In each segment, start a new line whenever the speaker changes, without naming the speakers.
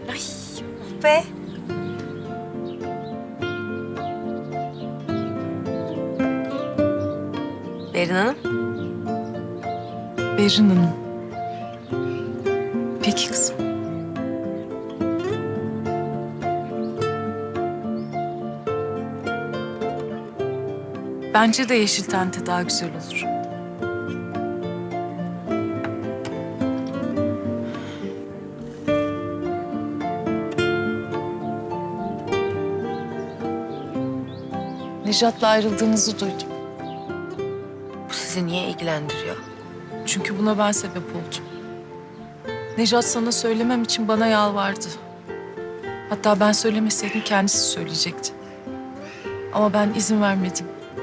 Ay oh be. Berin Hanım.
Berin Hanım. Peki kızım. Bence de yeşil tente daha güzel olur. Nejat'la ayrıldığınızı duydum.
Bu sizi niye ilgilendiriyor?
Çünkü buna ben sebep oldum. Nejat sana söylemem için bana yalvardı. Hatta ben söylemeseydim kendisi söyleyecekti. Ama ben izin vermedim.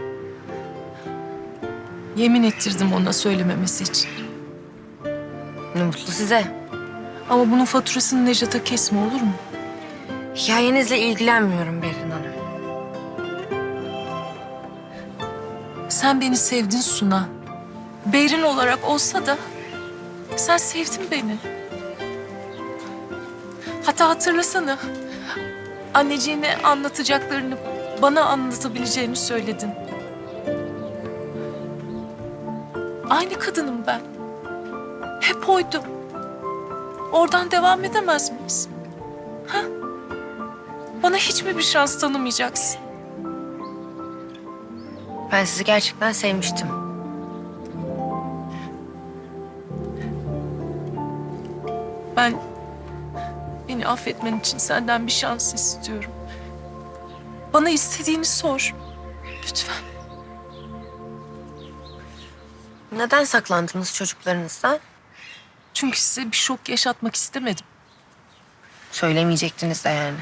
Yemin ettirdim ona söylememesi için.
Ne mutlu size.
Ama bunun faturasını Nejat'a kesme, olur mu?
Hikayenizle ilgilenmiyorum Berin Hanım.
Sen beni sevdin Suna. Berin olarak olsa da sen sevdin beni. Hatta hatırlasana. Anneciğine anlatacaklarını bana anlatabileceğini söyledin. Aynı kadınım ben. Hep oydum. Oradan devam edemez miyiz? Ha? Bana hiç mi bir şans tanımayacaksın?
Ben sizi gerçekten sevmiştim.
Beni affetmen için senden bir şans istiyorum. Bana istediğini sor. Lütfen.
Neden saklandınız çocuklarınızdan?
Çünkü size bir şok yaşatmak istemedim.
Söylemeyecektiniz de yani.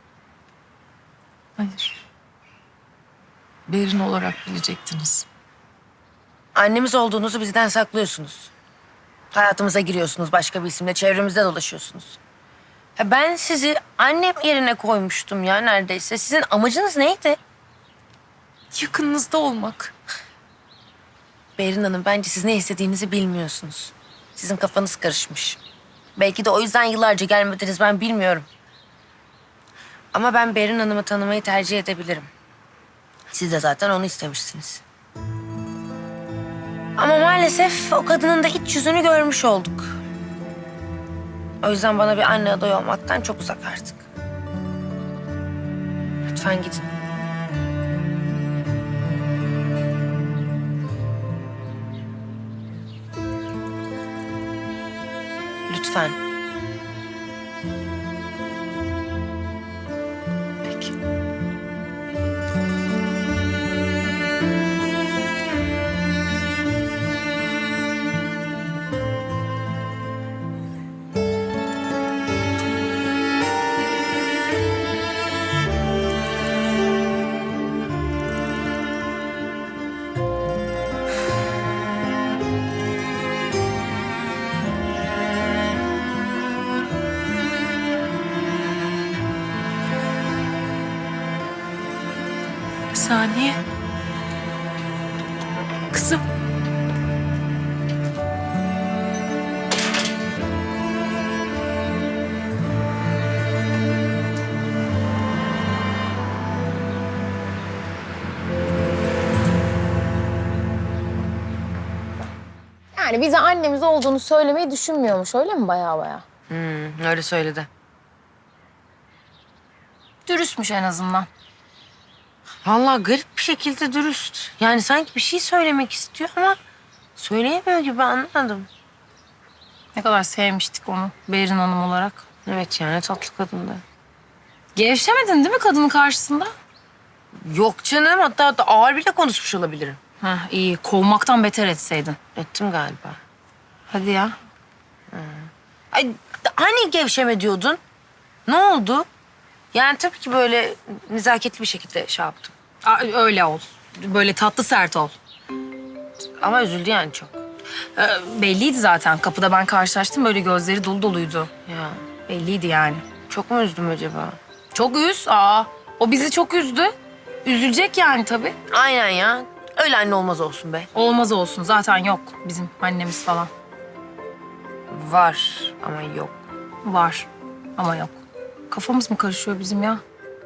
Hayır. Berin olarak bilecektiniz.
Annemiz olduğunuzu bizden saklıyorsunuz. Hayatımıza giriyorsunuz, başka bir isimle çevremizde dolaşıyorsunuz. Ya ben sizi annem yerine koymuştum ya neredeyse. Sizin amacınız neydi?
Yakınınızda olmak.
Berin Hanım, bence siz ne istediğinizi bilmiyorsunuz. Sizin kafanız karışmış. Belki de o yüzden yıllarca gelmediniz, ben bilmiyorum. Ama ben Berin Hanım'ı tanımayı tercih edebilirim. Siz de zaten onu istemişsiniz. Ama maalesef o kadının da iç yüzünü görmüş olduk. O yüzden bana bir anne adayı olmaktan çok uzak artık. Lütfen gidin. Lütfen.
Peki. Saniye. Kızım.
Yani bize annemiz olduğunu söylemeyi düşünmüyormuş, öyle mi baya?
Öyle söyledi.
Dürüstmüş en azından.
Vallahi garip bir şekilde dürüst. Yani sanki bir şey söylemek istiyor ama söyleyemiyor gibi, anlamadım.
Ne kadar sevmiştik onu Berin Hanım olarak.
Evet yani tatlı kadındı.
Gevşemedin değil mi kadının karşısında?
Yok canım, hatta ağır bile konuşmuş olabilirim.
Heh, iyi. Kovmaktan beter etseydin.
Ettim galiba.
Hadi ya.
Ay, hani gevşeme diyordun? Ne oldu? Yani tabii ki böyle nezaketli bir şekilde şey yaptım.
Öyle ol. Böyle tatlı sert ol.
Ama üzüldü yani çok.
Belliydi zaten. Kapıda ben karşılaştım. Böyle gözleri dolu doluydu.
Ya
Belliydi yani.
çok mu üzdüm acaba?
Çok üz. O bizi çok üzdü. Üzülecek yani tabii.
Aynen ya. Öyle anne olmaz olsun be.
Olmaz olsun. Zaten yok bizim annemiz falan.
Var ama yok.
Var ama yok. Kafamız mı karışıyor bizim ya?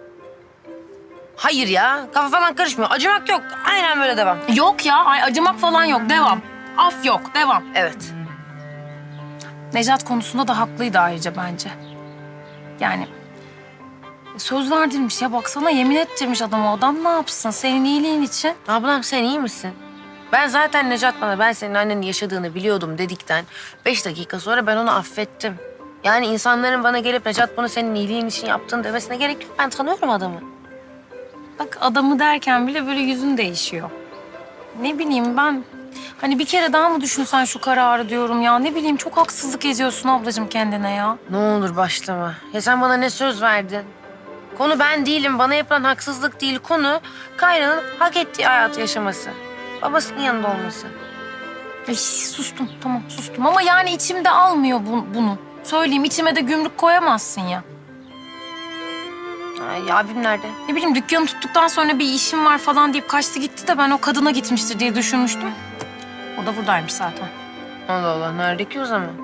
Hayır ya, kafa falan karışmıyor. Acımak yok. Aynen böyle devam.
Yok ya, ay acımak falan yok. Devam. Af yok, devam.
Evet.
Necat konusunda da haklıydı ayrıca bence. Yani söz verdirmiş ya, baksana yemin ettirmiş adama. Adam ne yapsın senin iyiliğin için?
Ablam sen iyi misin? Ben zaten Necat bana ben senin annenin yaşadığını biliyordum dedikten 5 dakika sonra ben onu affettim. Yani insanların bana gelip Necat bunu senin iyiliğin için yaptığını demesine gerek yok. Ben tanıyorum adamı.
Bak adamı derken bile böyle yüzün değişiyor. Ne bileyim ben, hani bir kere daha mı düşünsen şu kararı diyorum ya. Ne bileyim, çok haksızlık ediyorsun ablacığım kendine ya.
Ne olur başlama. Ya sen bana ne söz verdin? Konu ben değilim. Bana yapılan haksızlık değil. Konu Kayra'nın hak ettiği hayatı yaşaması. Babasının yanında olması.
Ay, sustum, tamam sustum ama yani içimde almıyor bunu. Söyleyeyim, içime de gümrük koyamazsın ya.
Ay, abim nerede?
Ne bileyim, dükkanı tuttuktan sonra bir işim var falan deyip kaçtı gitti de ben o kadına gitmiştir diye düşünmüştüm. O da buradaymış zaten.
Allah Allah. Nerede ki o zaman?